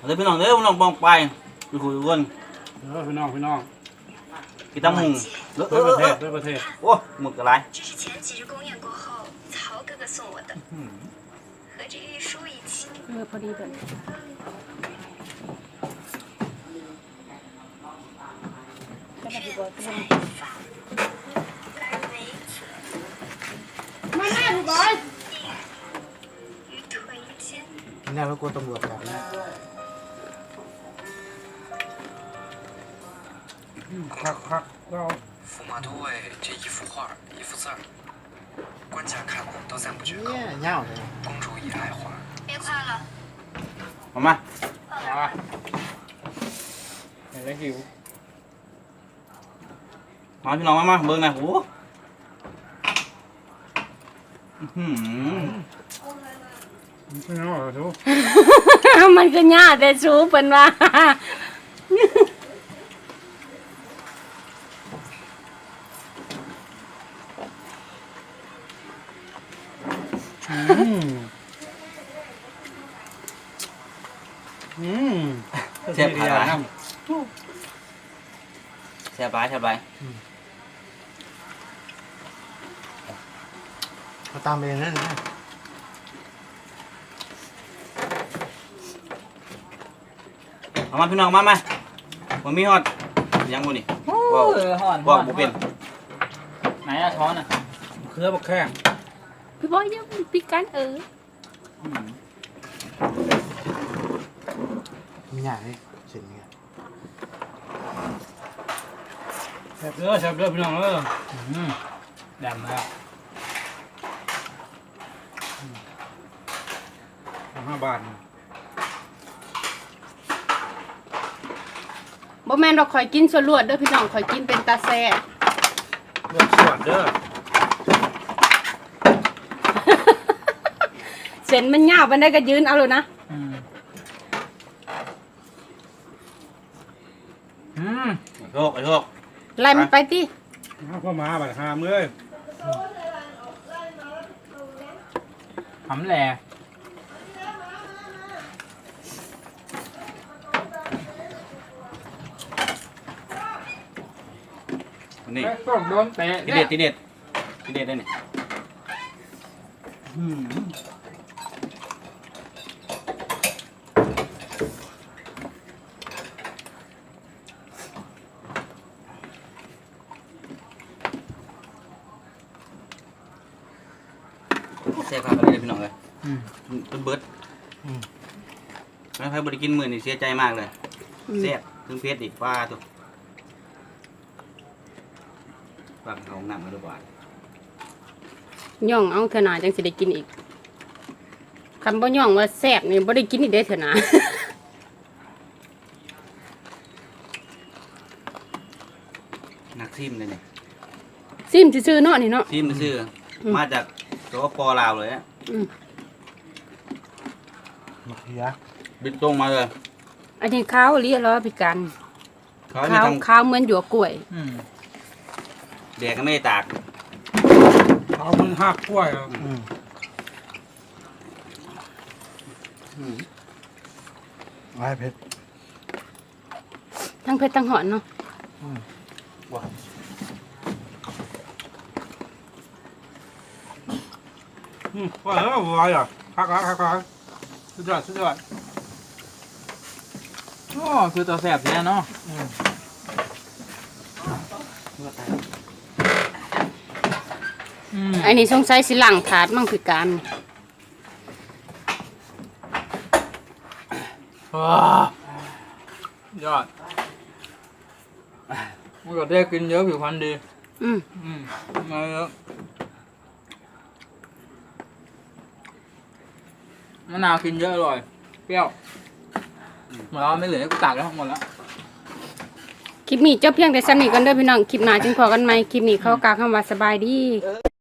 เดี๋ยวพี่น้องบองไปไปคุยกันพี่น้องกินตั้งมุงด้วยประเทศโอ้หมึกอะไร这是前几日公演过后曹哥哥送我的，和这玉书一起。 พอดีแบบมาหน้าพี่บอย于腿间。 นี่เรากลัวตำรวจจับนะคักเรา驸马都尉这一幅画一幅字儿，官家看了都赞不绝口。 เนี่ยเง่าเลย公主也爱画。 别夸了， มาเห็นแล้วหิวพี่น้องมาเบิ้งหน่อยโอ้พี่น้องเหรอทุกมันก็ยากแต่ชูเป็นว่าเสียบขาแซ่บไปเขาตามเองนั่นนะมาพี่น้องมาผมมีฮอดยังบ่นี่บอกบ่เป็นไหนอะช้อนอะเครือบักแข้งพี่บอยยังปีกันมีอย่างนี้เสร็จเนี่ยแซ่บเด้อพี่น้องแดมแล้ว5 บาทบ่แม่นเราคอยกินส่วนลวดเด้อพี่น้องคอยกินเป็นตาแซ่เลือกส่วนเด้อเส้นมันยาวมันได้ก็ยืนเอาเลยนะโชคไล่มันไปติพ่อมาบัดหาเมื่อยหำแหล่นี่ต้องโดนเตะทีเด็ดได้นี่แซ่บครับเลยพี่น้องเลยต้นเบิร์ดแล้วใครบริกินมื้อนี่เสียใจมากเลยแซ่บถึงเพชรอีกฟ้าตัวฟังเขาหนักมาด้วยว่าย่องเอาเถอะนาจังสิได้กินอีกคำบ่ย่องว่าแซ่บนี่บ่ได้กินอีกเด้อเถอะนานักซิมเลยเนี่ยซิมซื่อๆเนาะนี่เนาะซิมซื่อมาจากสปปลาวเลยมะเขือบินตรงมาเลยอันนี้ข้าวเรียกแล้วพี่กันเขามีทำข้าวเหมือนหยวกกล้วยแดกก็ไม่ได้ตากเขามึงหักกล้วยอ่ะไว้เพชรทั้งเผ็ดทั้งหอนเนาะว่าแล้วว่าอ่ะคักสุดยอดโอ้คือตัวแสบเนี่ยเนาะอันนี้สงสัยสิหลังถาดมั่งพี่กันยอดมันก็ได้กินเยอะผิวพรรณดีมาเยอะมะนาวกินเยอะอร่อยเปรี้ยวหมดแล้วไม่เหลือให้กูตักแล้วหมดแล้วคลิปนี้จบเพียงแต่ซ้ำนี้กันเด้อพี่น้องคลิปหน้าจึงพอกันใหม่คลิปนี้เขากล่าวคำว่าสบายดี